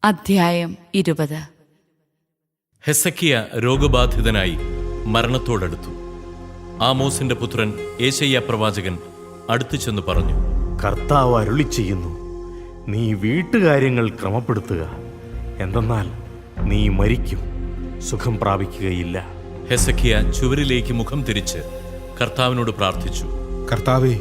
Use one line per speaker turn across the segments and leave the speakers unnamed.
അധ്യായം 20.
ഹെസക്കിയ രോഗബാധിതനായി മരണത്തോടടുത്തു. ആമോസിന്റെ പുത്രൻ യേശയ്യാ പ്രവാചകൻ അടുത്തു ചെന്ന് പറഞ്ഞു,
കർത്താവ് അരുളി ചെയ്യുന്നു, നീ വീട്ടുകാര്യങ്ങൾ ക്രമപ്പെടുത്തുക, എന്തെന്നാൽ നീ മരിക്കും, സുഖം പ്രാപിക്കുകയില്ല.
ഹെസക്കിയ ചുവരിലേക്ക് മുഖം തിരിച്ച് കർത്താവിനോട് പ്രാർത്ഥിച്ചു.
കർത്താവേ,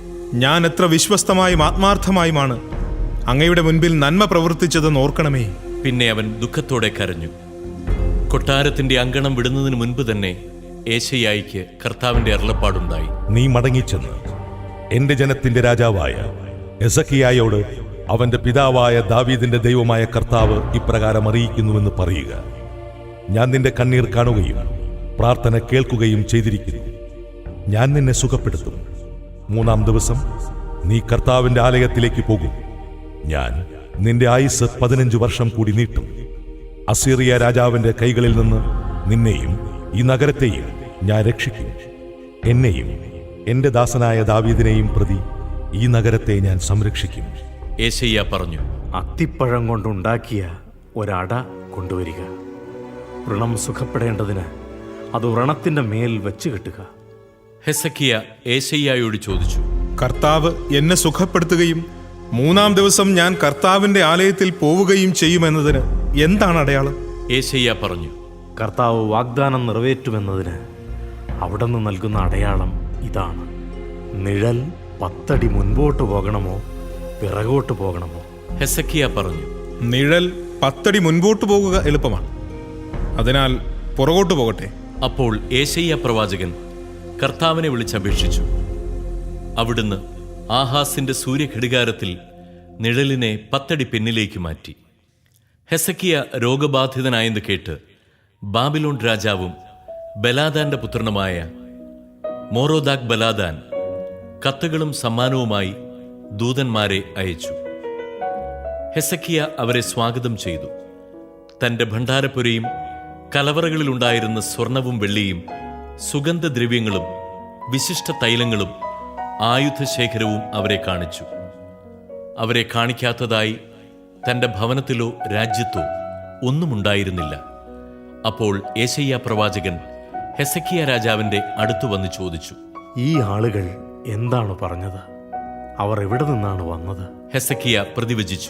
ഞാൻ എത്ര വിശ്വസ്തമായും ആത്മാർത്ഥമായുമാണ് അങ്ങയുടെ മുൻപിൽ നന്മ പ്രവർത്തിച്ചതെന്ന് ഓർക്കണമേ.
പിന്നെ അവൻ ദുഃഖത്തോടെ കരഞ്ഞു. കൊട്ടാരത്തിന്റെ അങ്കണം വിടുന്നതിന് മുൻപ് തന്നെ യേശയ്യായിക്ക് കർത്താവിന്റെ അരുളപ്പാടുണ്ടായി.
നീ മടങ്ങിച്ചെന്ന് എന്റെ ജനത്തിന്റെ രാജാവായ ഹെസക്കിയായോട് അവന്റെ പിതാവായ ദാവീദിന്റെ ദൈവമായ കർത്താവ് ഇപ്രകാരം അറിയിക്കുന്നുവെന്ന് പറയുക. ഞാൻ നിന്റെ കണ്ണീർ കാണുകയും പ്രാർത്ഥന കേൾക്കുകയും ചെയ്തിരിക്കുന്നു. ഞാൻ നിന്നെ സുഖപ്പെടുത്തും. 3-ാം ദിവസം നീ കർത്താവിന്റെ ആലയത്തിലേക്ക് പോകും. ഞാൻ നിന്റെ ആയുസ് 15 വർഷം കൂടി നീട്ടും. അസീറിയ രാജാവിന്റെ കൈകളിൽ നിന്ന് നിന്നെയും ഈ നഗരത്തെയും ഞാൻ രക്ഷിക്കും. എന്നെയും എന്റെ ദാസനായ ദാവീദിനെയും പ്രതി ഈ നഗരത്തെ ഞാൻ സംരക്ഷിക്കും.
യേശയ്യാ പറഞ്ഞു,
അത്തിപ്പഴം കൊണ്ടുണ്ടാക്കിയ ഒരട കൊണ്ടുവരിക. വ്രണം സുഖപ്പെടേണ്ടതിന് അത് വ്രണത്തിന്റെ മേൽ വെച്ച് കെട്ടുക.
ഹെസക്കിയ യേശയ്യായോട് ചോദിച്ചു,
കർത്താവ് എന്നെ സുഖപ്പെടുത്തുകയും 3-ാം ദിവസം ഞാൻ കർത്താവിന്റെ ആലയത്തിൽ പോവുകയും ചെയ്യുമെന്നതിന് എന്താണ് അടയാളം?
യേശയ്യാ പറഞ്ഞു,
കർത്താവ് വാഗ്ദാനം നിറവേറ്റുമെന്നതിന് അവിടുന്ന് നൽകുന്ന അടയാളം ഇതാണ്. നിഴൽ 10 അടി മുൻപോട്ട് പോകണമോ പിറകോട്ട് പോകണമോ?
ഹെസക്കിയ പറഞ്ഞു,
നിഴൽ 10 അടി മുൻപോട്ട് പോകുക എളുപ്പമാണ്, അതിനാൽ പുറകോട്ട് പോകട്ടെ.
അപ്പോൾ യേശയ്യാ പ്രവാചകൻ കർത്താവിനെ വിളിച്ചപേക്ഷിച്ചു. അവിടുന്ന് ആഹാസിന്റെ സൂര്യഘടികാരത്തിൽ നിഴലിനെ 10 അടി പിന്നിലേക്ക് മാറ്റി. ഹെസക്കിയ രോഗബാധിതനായെന്ന് കേട്ട് ബാബിലോൺ രാജാവും ബലാദാന്റെ പുത്രനുമായ മോറോദാക് ബലാദാൻ കത്തുകളും സമ്മാനവുമായി ദൂതന്മാരെ അയച്ചു. ഹെസക്കിയ അവരെ സ്വാഗതം ചെയ്തു. തന്റെ ഭണ്ഡാരപ്പുരയും കലവറകളിലുണ്ടായിരുന്ന സ്വർണവും വെള്ളിയും സുഗന്ധദ്രവ്യങ്ങളും വിശിഷ്ട തൈലങ്ങളും ആയുധശേഖരവും അവരെ കാണിച്ചു. അവരെ കാണിക്കാത്തതായി തന്റെ ഭവനത്തിലോ രാജ്യത്തോ ഒന്നുമുണ്ടായിരുന്നില്ല. അപ്പോൾ യേശയ്യാ പ്രവാചകൻ ഹെസക്കിയ രാജാവിന്റെ അടുത്തു വന്ന് ചോദിച്ചു,
ഈ ആളുകൾ എന്താണ് പറഞ്ഞത്? അവർ എവിടെ നിന്നാണ് വന്നത്?
ഹെസക്കിയ പ്രതിവചിച്ചു,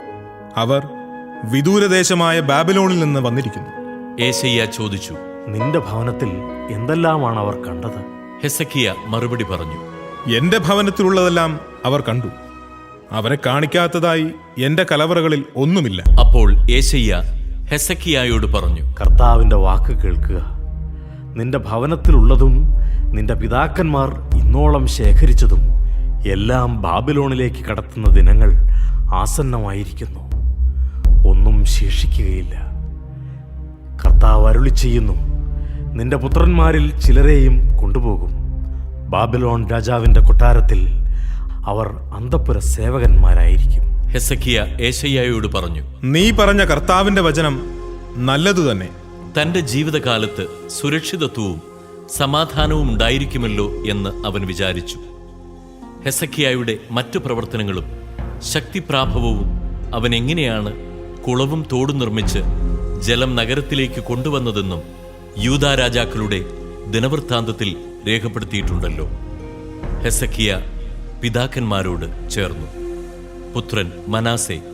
അവർ വിദൂരദേശമായ ബാബിലോണിൽ നിന്ന് വന്നിരിക്കുന്നു.
യേശയ്യാ ചോദിച്ചു,
നിന്റെ ഭവനത്തിൽ എന്തെല്ലാമാണ് അവർ കണ്ടത്?
ഹെസക്കിയ മറുപടി പറഞ്ഞു,
എന്റെ ഭവനത്തിലുള്ളതെല്ലാം അവർ കണ്ടു. അവരെ കാണിക്കാത്തതായി എന്റെ കലവറകളിൽ ഒന്നുമില്ല.
അപ്പോൾ യേശയ്യാ ഹെസക്കിയായോട് പറഞ്ഞു,
കർത്താവിന്റെ വാക്ക് കേൾക്കുക. നിന്റെ ഭവനത്തിലുള്ളതും നിന്റെ പിതാക്കന്മാർ ഇന്നോളം ശേഖരിച്ചതും എല്ലാം ബാബിലോണിലേക്ക് കടത്തുന്ന ദിനങ്ങൾ ആസന്നമായിരിക്കുന്നു. ഒന്നും ശേഷിക്കുകയില്ല. കർത്താവ് അരുളി ചെയ്യുന്നു, നിന്റെ പുത്രന്മാരിൽ ചിലരെയും കൊണ്ടുപോകും. ബാബിലോൺ രാജാവിന്റെ കൊട്ടാരത്തിൽ അവർ അന്തഃപുര സേവകന്മാരായിരിക്കും.
ഹെസക്കിയ യേശയ്യായോട് പറഞ്ഞു,
നീ പറഞ്ഞ കർത്താവിന്റെ വചനം നല്ലതു തന്നെ.
തന്റെ ജീവിതകാലത്ത് സുരക്ഷിതത്വവും സമാധാനവും ഉണ്ടായിരിക്കുമല്ലോ എന്ന് അവൻ വിചാരിച്ചു. ഹെസക്കിയായുടെ മറ്റു പ്രവർത്തനങ്ങളും ശക്തിപ്രാഭവവും അവൻ എങ്ങനെയാണ് കുളവും തോടും നിർമ്മിച്ച് ജലം നഗരത്തിലേക്ക് കൊണ്ടുവന്നതെന്നും യൂദാ രാജാക്കളുടെ ദിനവൃത്താന്തത്തിൽ രേഖപ്പെടുത്തിയിട്ടുണ്ടല്ലോ. ഹെസക്കിയ പിതാക്കന്മാരോട് ചേർന്നു. പുത്രൻ മനാസെ